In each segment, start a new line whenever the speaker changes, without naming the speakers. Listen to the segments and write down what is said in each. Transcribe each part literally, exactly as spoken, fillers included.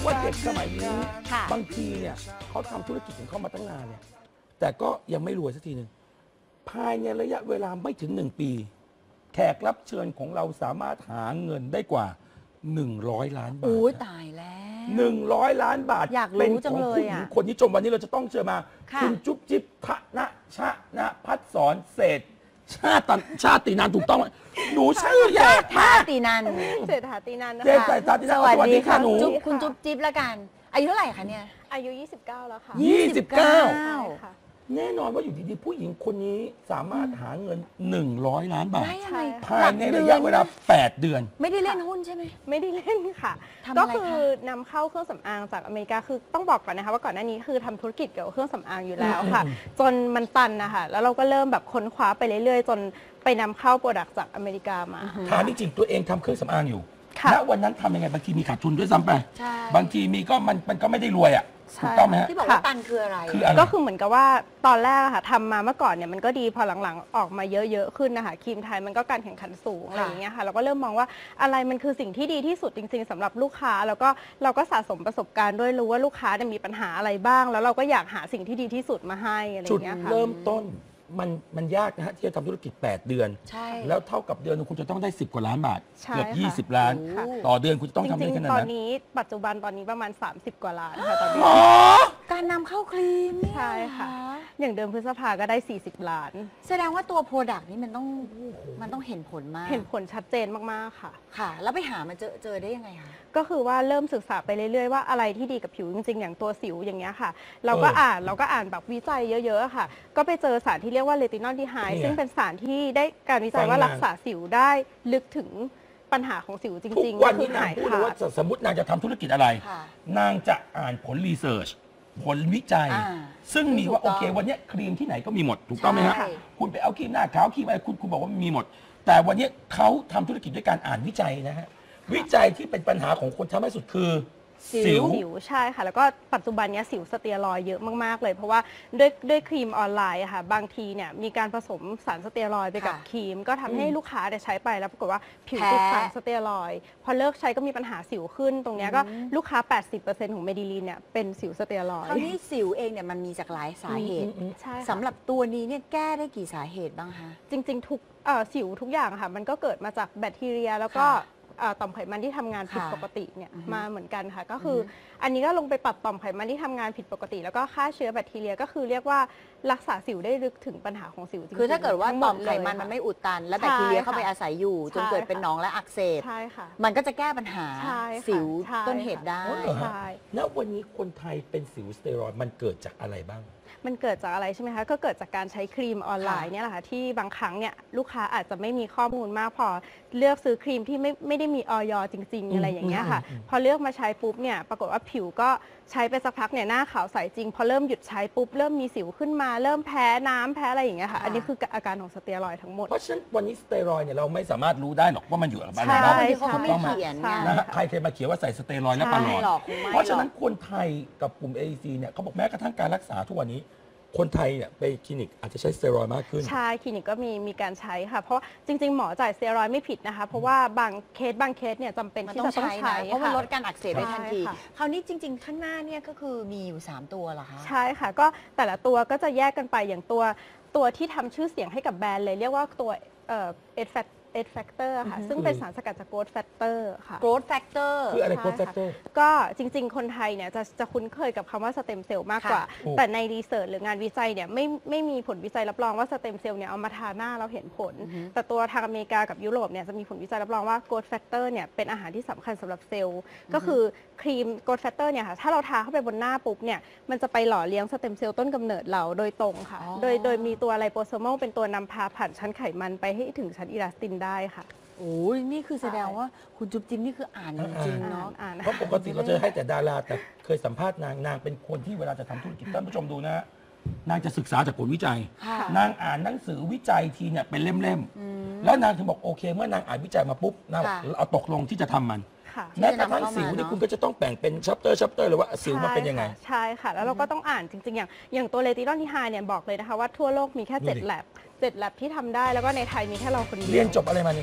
ว่าเด็กสมัยนี้บางทีเนี่ยเขาทำธุรกิจของเขามาตั้งนานเนี่ยแต่ก็ยังไม่รวยสักทีหนึ่งภายในระยะเวลาไม่ถึงหนึ่งปีแขกรับเชิญของเราสามารถหาเงินได้กว่าหนึ่งร้อยล้านบาท
โอ้ยตายแล้ว
หนึ่งร้อยล้านบาท
อยากรู้จังเลย
เป็นของผู้หญิง
อะ
คนนี้จมวันนี้เราจะต้องเชิญมา
ค่ะ
คุณจุ๊บจิ๊บทะนะชะนะพัดสอนเศรษฐ์ชาติชาตินานถูกต้องไหมหนูชื่อยาก
ท่าม
าก
ตีนัน
เศรษฐาตีนันนะ
เจ๊
คะ
ใส่ตาที่
ส
นั่น
วัส
สวัส
ดี
ดี
ค่ะ
ค่ะหนู
จุ๊บคุณจุ๊บจิ๊บละกัน อายุเท่าไหร่คะเนี่ย
อายุ ยี่สิบเก้า แล้วค่ะ
ยี่สิบเก้า
ใช่ค่ะ
แน่นอนว่าอยู่ดีๆ ผู้หญิงคนนี้สามารถหาเงินหนึ่งร้อยล้านบาท
ได้ยังไง
ภายในระยะเวลาแปดเดือน
ไม่ได้เล่นหุ้นใช่ไหม
ไม่ได้เล่นค่ะ
ทำอะไรคะ
ก็คือนำเข้าเครื่องสำอางจากอเมริกาคือต้องบอกก่อนนะคะว่าก่อนหน้านี้คือทำธุรกิจเกี่ยวกับเครื่องสำอางอยู่แล้วค่ะ จนมันตันนะคะแล้วเราก็เริ่มแบบค้นคว้าไปเรื่อยๆ จนไปนำเข้าโปรดักต์จากอเมริกามา
ถามจริงๆตัวเองทำเครื่องสำอางอยู่
ค่ะ
ณวันนั้นทำยังไงบางทีมีขาดทุนด้วยซ้ำไป
ใช่
บางทีมีก็มันมันก็ไม่ได้รวยอ่ะ
ใช่
ถูกต้องไหมฮะ
ที่บอกว่าตันคืออะไร
คืออะไร
ก็คือเหมือนกับว่าตอนแรกอะค่ะทำมาเมื่อก่อนเนี่ยมันก็ดีพอหลังๆออกมาเยอะๆขึ้นนะคะครีมไทยมันก็การแข่งขันสูงอะไรอย่างเงี้ยค่ะเราก็เริ่มมองว่าอะไรมันคือสิ่งที่ดีที่สุดจริงๆสำหรับลูกค้าแล้วก็เราก็สะสมประสบการณ์ด้วยรู้ว่าลูกค้าเนี่ยมีปัญหาอะไรบ้าง แล้วเราก็อยากหาสิ่งที่ดีที่สุดมาให้อะไรอ
จุด
ย่างเงี้ยค่ะ
เริ่มต้นมันมันยากนะฮะที่จะทำธุรกิจ แปด เดือน
ใช่
แล้วเท่ากับเดือนหนึงคุณจะต้องได้สิบกว่าล้านบาท
ใช่
เกือบ
ค่ะ
ยี่สิบล้าน
ค่ะ
ต่อเดือนคุณจะต้อง
จ
ทำได้
ริง
ขนาด
ๆ ตอน
นั้น
นี้ปัจจุบันตอนนี้ประมาณ สามสิบ กว่าล้านค่ะตอนนี้
อ๋อ
การนำเข้าครีมเนี่ย
ใช่ค่ะ อย่างเดิมพฤษภาก็ได้ สี่สิบ ล้าน
แสดงว่าตัวโปรดักต์นี้มันต้องมันต้องเห็นผลมาก
เห็นผลชัดเจนมากๆค่ะ
ค่ะ แล้วไปหามาเจอเจอได้ยังไงคะ
ก็คือว่าเริ่มศึกษาไปเรื่อยๆว่าอะไรที่ดีกับผิวจริงๆ อย่างตัวสิวอย่างเงี้ยค่ะ เราก็
เอออ่
อ่านเราก็อ่านแบบวิจัยเยอะๆค่ะ ก็ไปเจอสารที่เรียกว่าเลตินอลดีไฮ
นี่ไง
ซึ่งเป็นสารที่ได้การวิจัยว่า
ฟังมา
รักษาสิวได้ลึกถึงปัญหาของสิวจ
ทุก
ริงๆ
วัน
ก็คื
นี้
อน
าง
หาย
พูดเลย
ขา
ว่า
ด
สมมตินางจะทำธุรกิจอะไร
ค่ะ
นางจะอ่านผลรีเสิร์ชผลวิจัย
อ่า
ซึ่งมีว่า
ถู
โอก
ต้อง
เควันเนี้ยครีมที่ไหนก็มีหมด ถูกต้องไหมฮะ
ใช่
คุณไปเอาครีมหน้าขาวครีมอะไรคุณคุณบอกว่ามันมีหมด แต่วันเนี้ยเขาทำธุรกิจด้วยการอ่านวิจัยนะฮะวิจัยที่เป็นปัญหาของคนทำให้สุดคือ
สิว
สิวใช่ค่ะ แล้วก็ปัจจุบันเนี้ยสิวสเตียรอยด์เยอะมากๆเลย เพราะว่าด้วยด้วยครีมออนไลน์อะค่ะบางทีเนี่ยมีการผสมสารสเตียรอยด์ไปกับ
ค่ะ
ครีม ก็ทำให้ลูกค้าได้ใช้ไปแล้วปรากฏว่าผิว
แพ้
ติดสารสเตียรอยด์พอเลิกใช้ก็มีปัญหาสิวขึ้น ตรงเนี้ยก็
อืม
ลูกค้า แปดสิบเปอร์เซ็นต์ ของเมดิลีนเนี่ยเป็นสิวสเตียรอย
คราว
ด์
นี้สิวเองเนี่ยมันมีจากหลายสาเหตุ
ใช่ค่ะ
สำหรับตัวนี้เนี่ยแก้ได้กี่สาเหตุบ้างคะ
จริงๆ ทุกเอ่อสิวทุกอย่างอะค่ะมันก็เกิดมาจากแบคทีเรีย แล้วก็
ค่ะ
เอ่อต่อมไขมันที่ทำงานผิด
ค่ะ
ปกติเนี่ย
อือฮึ
มาเหมือนกันค่ะ ก็คืออ
อฮึ
อันนี้ก็ลงไปปรับต่อมไขมันที่ทำงานผิดปกติ แล้วก็ฆ่าเชื้อแบคทีเรียก็คือเรียกว่ารักษาสิวได้ลึกถึงปัญหาของสิวจริงๆ
คือถ้าเกิดว่า
ทั้งห
ต่อ
ด
ม
เลย
ไขมันมันไม่อุดตัน และ
ใช่
แบคทีเรีย
ค่ะ
เข้าไปอาศัยอยู่ จน
ใช่
เกิดเป็น
ค่ะ
หนองและอักเสบ
ใช่ค่ะ
มันก็จะแก้ปัญหา
ใช่ค่ะ
สิว
ใช่
ต้นเหตุได้
อ๋อเหรอฮะ
ใช่
ณวันนี้คนไทยเป็นสิวสเตียรอยด์มันเกิดจากอะไรบ้าง
มันเกิดจากอะไรใช่ไหมคะ ก็เกิดจากการใช้ครีมออนไลน์
ค่ะ
เนี่ยแหละค่ะที่บางครั้งเนี่ยลูกค้าอาจจะไม่มีข้อมูลมากพอเลือกซื้อครีมที่ไม่ไม่ได้มีออยจริง ๆ อะไรอย่างเงี้ยค่ะ
อืมอืมอืม
พอเลือกมาใช้ปุ๊บเนี่ยปรากฏว่าผิวก็ใช้ไปสักพักเนี่ยหน้าขาวใสจริง พอเริ่มหยุดใช้ปุ๊บเริ่มมีสิวขึ้นมาเริ่มแพ้น้ำแพ้อะไรอย่างเงี้ยค่ะ
ค่ะ
อันนี้คืออาการของสเตียรอยด์ทั้งหมด
เพราะฉะนั้นวันนี้สเตียรอยด์เนี่ยเราไม่สามารถรู้ได้หรอกว่ามันอยู่กับอะไร
ใช่
บ้าง
บางทีเขาก็ไม่
ใช่
เขียน
ใช่
ไง
นะฮะใครเคยมาเขียนว่าใส่สเตียรอยด์และปลาหลอ
ไม่
ด
หรอกคงไม่
เพราะฉะนั้น
หรอก
คนไทยกับกลุ่ม เอ ซี เนี่ยเขาบอกแม้กระทั่งการรักษาทุกวันนี้ คนไทยเนี่ยไปคลินิกอาจจะใช้สเตียรอยด์มากขึ้น
ใช่คลินิกก็มีมีการใช้ค่ะ เพราะจริง ๆ หมอจ่ายสเตียรอยด์ไม่ผิดนะคะ เพราะว่าบางเคสบางเคสเนี่ยจำเป็น
มัน
ที่
ต้อง
จะต้อง
ใช้
ใช้
นะเพราะมัน
ค่
ลดการอักเสบได้ทันที
ใช่ค่ะ
คราวนี้จริง ๆ ข้างหน้าเนี่ยก็คือมีอยู่ สาม ตัวเหรอคะ
ใช่ค่ะก็แต่ละตัวก็จะแยกกันไปอย่างตัวตัวที่ทำชื่อเสียงให้กับแบรนด์เลย เรียกว่าตัวเอ่อเอดแฟตเอดแฟกเตอร์ค่ะ
อือฮึ
ซึ่งเป็นสารสกัดจากโกรทแฟกเตอร์ค่ะ
growth factor
คืออะไร
ใช่
โค้ดแฟกเตอร์
ก็จริง ๆ คนไทยเนี่ยจะจะคุ้นเคยกับคำว่าสเต็มเซลล์มากกว่า
ค่ะถูก
แต่ในรีเสิร์ชหรืองานวิจัยเนี่ยไม่ไม่มีผลวิจัยรับรองว่าสเต็มเซลล์เนี่ยเอามาทาหน้าเราเห็นผล
อือฮึ
แต่ตัวทางอเมริกากับยุโรปเนี่ยจะมีผลวิจัยรับรองว่าโกรทแฟกเตอร์เนี่ยเป็นอาหารที่สำคัญสำหรับเซลล์ ก็คือครีมโกรทแฟกเตอร์เนี่ยค่ะถ้าเราทาเข้าไปบนหน้าปุ๊บเนี่ยมันจะไปหล่อเลี้ยงสเต็มเซลล์ต้นกำเนิดเราโดยตรงค่ะ
อ๋อ
โดยโดยมีตัวไลโปโซมอลเป็นตัวนำพาผ่านชั้นไขมันไปให้ถึงชั้นอิลาสตินได้ค่ะ
โอ้ยนี่คือแสดงว่าคุณจุ๊บจิ๊บนี่คืออ่านจริงๆ
อ่า
เนาะ
นอ่าน
เพราะปกติเราจะให้แต่ดาราแต่เคยสัมภาษณ์นางนางเป็นคนที่เวลาจะทำธุรกิจท่านผู้ชมดูนะฮะนางจะศึกษาจากผลวิจัย
ค่ะ
นางอ่านหนังสือวิจัยทีเนี่ยเป็นเล่ม
อืม
ๆแล้วนางถึงบอกโอเค เมื่อนางอ่านวิจัยมาปุ๊บนางบอก
ค่ะ
เอาตกลงที่จะทำมัน
ค่ะ
แม้กระทั่ง
ที่จะนำเข้ามา
สิวนี่
เนอะ
คุณก็จะต้องแบ่งเป็นชัปเตอร์ชัปเตอร์เลยว่าสิวมันเป็นยังไง
ใช่ค่ะ แล้วเราก็ต้องอ่านจริง ๆ อย่างอย่างตัวเลตินอลที่ไฮเนี่ยบอกเลยนะคะว่าทั่วโลกมีแค่
ดูดิ
เจ็ดแลบเจ็ดแลบที่ทำได้แล้วก็ในไทยมีแค่เราคนเดียว
เรียนจบอะไรมานี่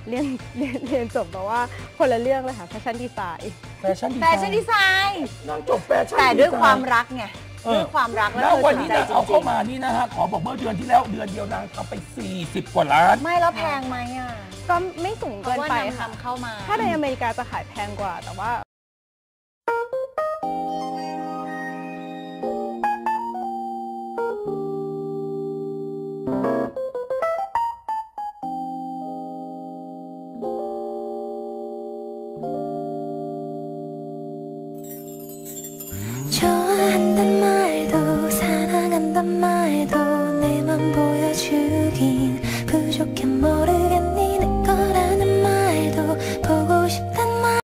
เรียนเรียนเรียนจบแบบว่าคนละเรื่องเลยค่ะแฟชั่นดีไซน์
แฟชั่นดี
แฟ
ไซ
ชั่น
น์
ดีไซน์
นางจบแฟชั่น
แต่
ดีไซน์
ด้วยความรักไง
เออ
ด้วยความรัก
แล้
แล้ว ว
วั
เธ
น
อส
นี้
นใจ
นะ
จ
เอา
ริ
เข้าง มานี่นะฮะขอบอกเมื่อเดือนที่แล้วเดือนเดียวนางทำไปสี่สิบกว่าล้าน
ๆไม่แล้วแพงไหมอ่ะ
ก็ไม่สูง
เพ
เกิน
ราะว่า
ไป
นำ
ค่ะ
นำเข้ามา
ถ้าในอเมริกาจะขายแพงกว่า แต่ว่า